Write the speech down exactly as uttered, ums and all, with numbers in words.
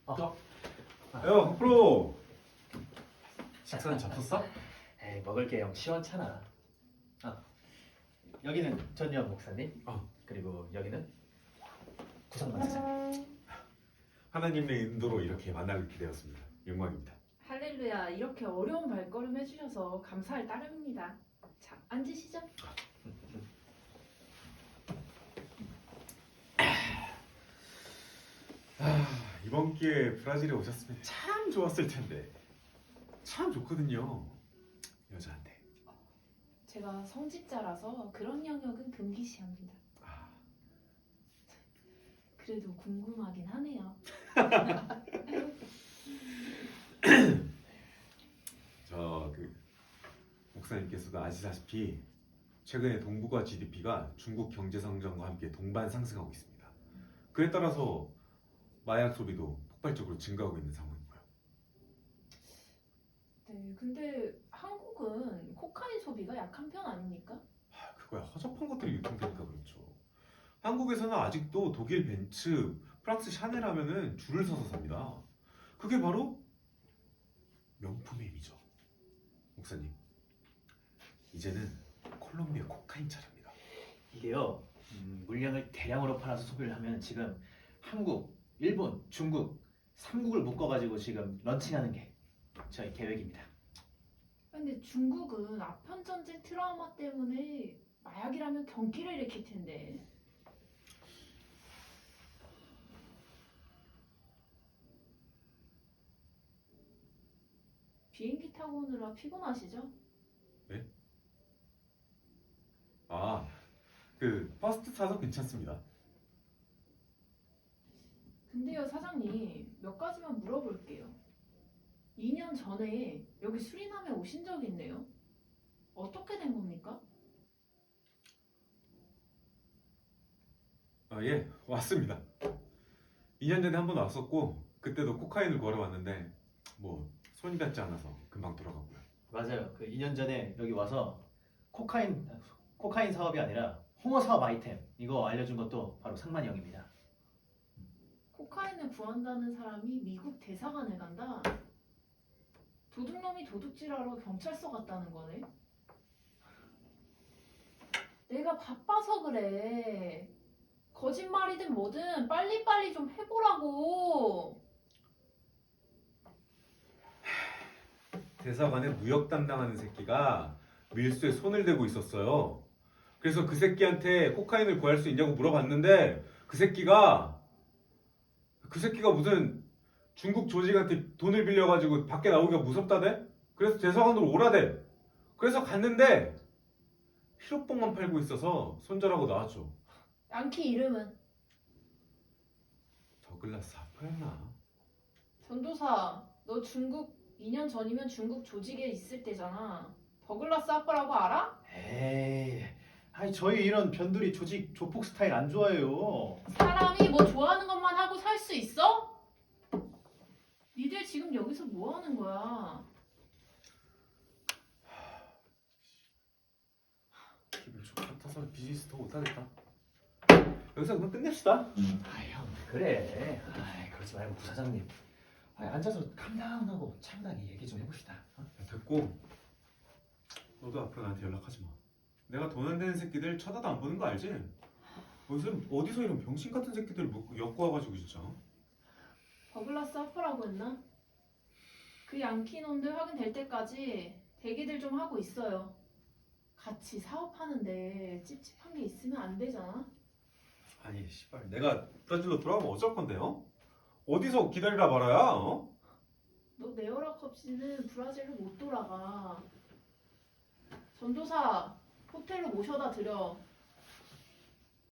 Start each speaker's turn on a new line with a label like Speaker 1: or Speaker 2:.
Speaker 1: 어.
Speaker 2: 야, 프로. 식사는 잡혔어?
Speaker 1: 에이, 먹을 게 영 시원찮아. 아, 여기는 전유한 목사님.
Speaker 2: 어.
Speaker 1: 그리고 여기는 구성만 사장님.
Speaker 2: 하나님의 인도로 이렇게 만나게 되었습니다. 영광입니다.
Speaker 3: 할렐루야, 이렇게 어려운 발걸음 해주셔서 감사할 따름입니다. 자, 앉으시죠.
Speaker 2: 아, 이번 기회에 브라질에 오셨으면 참 좋았을 텐데. 참 좋거든요. 여자한테.
Speaker 3: 제가 성직자라서 그런 영역은 금기시합니다.
Speaker 2: 아,
Speaker 3: 그래도 궁금하긴 하네요.
Speaker 2: 저 그 목사님께서도 아시다시피 최근에 동북아 지디피가 중국 경제 성장과 함께 동반 상승하고 있습니다. 그에 따라서 마약 소비도 폭발적으로 증가하고 있는 상황이고요.
Speaker 3: 네, 근데 한국은 코카인 소비가 약한 편 아닙니까?
Speaker 2: 아, 그거야 허접한 것들이 유통되니까 그렇죠. 한국에서는 아직도 독일 벤츠, 프랑스 샤넬 하면은 줄을 서서 삽니다. 그게 바로 명품의 힘이죠. 목사님, 이제는 콜롬비아 코카인 차례입니다.
Speaker 1: 이게요, 음, 물량을 대량으로 팔아서 소비를 하면 지금 한국, 일본, 중국 삼 국을 묶어가지고 지금 런칭하는 게 저희 계획입니다.
Speaker 3: 근데 중국은 아편 전쟁 트라우마 때문에 마약이라면 경기를 일으킬 텐데. 비행기 타고 오느라 피곤하시죠?
Speaker 2: 아, 그 버스트 타도 괜찮습니다.
Speaker 3: 근데요, 사장님, 몇 가지만 물어볼게요. 이 년 전에 여기 수리남에 오신 적 있네요. 어떻게 된 겁니까?
Speaker 2: 아, 예, 왔습니다. 이 년 전에 한 번 왔었고 그때도 코카인을 걸어 왔는데 뭐 손이 닿지 않아서 금방 돌아가고요.
Speaker 1: 맞아요. 그 이 년 전에 여기 와서 코카인 코카인 사업이 아니라 홍어 사업 아이템 이거 알려준 것도 바로 상만이 형입니다.
Speaker 3: 코카인을 구한다는 사람이 미국 대사관을 간다? 도둑놈이 도둑질하러 경찰서 갔다는 거네? 내가 바빠서 그래. 거짓말이든 뭐든 빨리빨리 좀 해보라고.
Speaker 2: 대사관에 무역 담당하는 새끼가 밀수에 손을 대고 있었어요. 그래서 그 새끼한테 코카인을 구할 수 있냐고 물어봤는데 그 새끼가 그 새끼가 무슨 중국 조직한테 돈을 빌려가지고 밖에 나오기가 무섭다대? 그래서 대사관으로 오라대. 그래서 갔는데 피로뽕만 팔고 있어서 손절하고 나왔죠.
Speaker 3: 양키 이름은?
Speaker 2: 더글라스 하퍼였나?
Speaker 3: 전도사, 너 중국 이 년 전이면 중국 조직에 있을 때잖아. 더글라스 아빠라고 알아?
Speaker 1: 에이, 아니 저희 이런 변두리 조직 조폭 스타일 안 좋아해요.
Speaker 3: 사람이 뭐 좋아하는 것만 하고 살 수 있어? 니들 지금 여기서 뭐 하는 거야?
Speaker 2: 기분 좋다서 비즈니스 더 못하겠다. 여기서 그만 끝냅시다.
Speaker 1: 아 형, 그래. 아, 그러지 말고 부사장님. 아, 앉아서 캄다운하고 차분하게 얘기 좀 해봅시다. 어?
Speaker 2: 야, 됐고 너도 앞으로 나한테 연락하지 마. 내가 돈 안 되는 새끼들 쳐다도 안 보는 거 알지? 어디서, 어디서 이런 병신 같은 새끼들 묶고 엮고 와가지고 진짜.
Speaker 3: 더글라스 아빠라고 했나? 그 양키 놈들 확인될 때까지 대기들 좀 하고 있어요. 같이 사업하는데 찝찝한 게 있으면 안 되잖아.
Speaker 2: 아니 씨발 내가 브라질로 돌아가면 어쩔 건데요? 어디서 기다리라 말아야? 어?
Speaker 3: 너 내 허락 없이는 브라질로 못 돌아가. 전도사, 호텔로 모셔다 드려.